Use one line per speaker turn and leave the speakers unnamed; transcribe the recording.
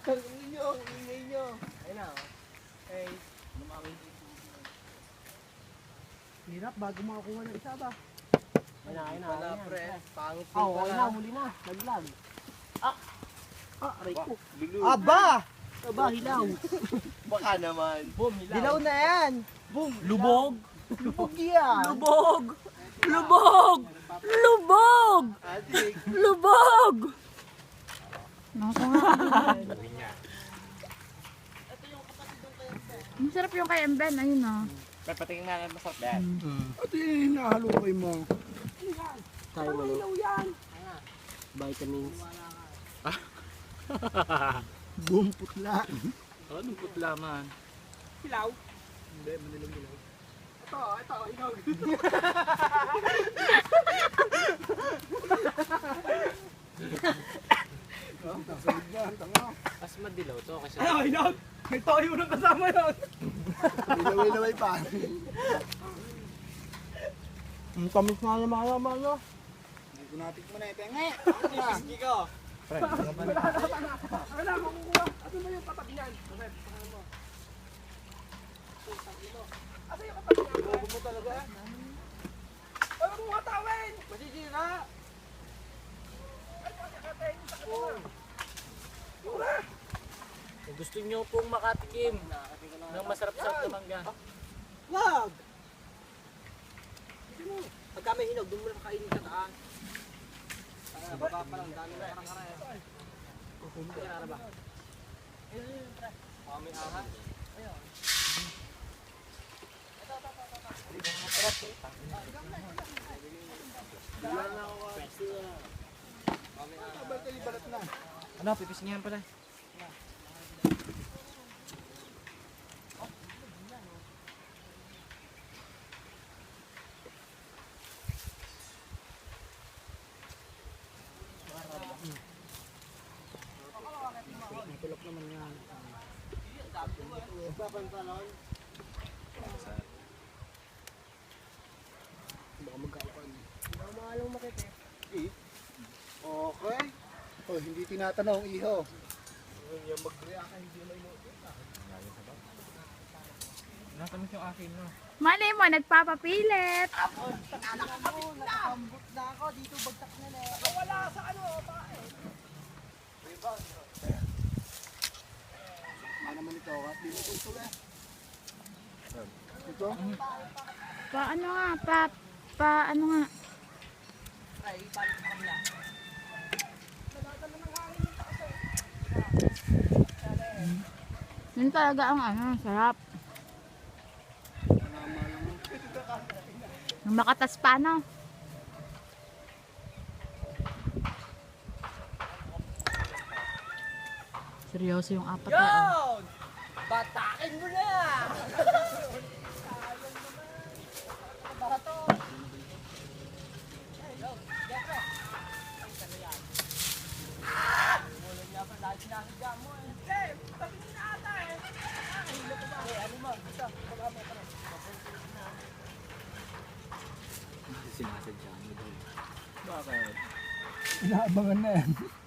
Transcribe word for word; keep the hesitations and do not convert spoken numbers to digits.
Ang inyo, ang ingay nyo. Ayun na, oh. Hey, lumawin.
Hirap bago makakuha ng isa ba?
Ayun na, ayun na. Wala, pre. Pangit din
Ah, okay
pala.
na, huli na. Naglag. Ah! Ah, aray ko.
Bilog.
Aba! Aba, hilaw.
Baka naman. Boom, hilaw.
Dilaw na yan.
Boom,
Lubog!
Lubog yan.
Lubog! Lubog! Lubog!
Adik.
Lubog!
Naku nga. Masarap yung kay Emben, ayun o.
Pre, patingin nga lang masarap yan.
At yung hinahalukay mo.
Tayo mo. Vitamins.
Buong putla.
Anong putla man?
Hilaw? Hindi, manilang hilaw. Ito, ito, ikaw.
Mas madilaw to kasi
Ay, hilaw! May toyo na kasama yun. Ilaway-laway pa. Ang tamis nga naman mga naman, no? Hindi ko natik mo na ito. Nga!
Whiskey ko. Pre,
Wala, makukuha. Ano na yung tatak niyan? Ano mo? Ano yung tatak niyan?
bobo mo talaga.
Ano mo katawin?
Masisira.
kung gusto nyo pong makatikim ng masarap-sarap na mangga.
Wag! Pagka may hinog, doon mo na kakainin sa taas.
Sa baba pa lang, dami na parang karaya.
Kaya ba?
Kami ahas.
Ano, pipisingin pala.
Tulok naman yan.
Papantalon.
Baka magkakapan.
Mamalong makita.
Okay. Oh, hindi tinatanong iho.
Yung mag-react hindi may notice.
Natamis yung akin, no?
Malay mo, nagpapapilit.
Nakambot na ako. Dito bagtak na na. Wala sa ano, bakit? Ano naman ito? At di mo ito eh. Ito?
Pa ano nga, pa, pa ano nga.
Ay, palit ka nila.
Yun talaga ang ano, sarap. Ang makatas pa, no? Seryoso yung apat na. Oh.
Yun! Batakin mo na!
Sinasadya mo doon.
Bakit?
Inaabangan na yan.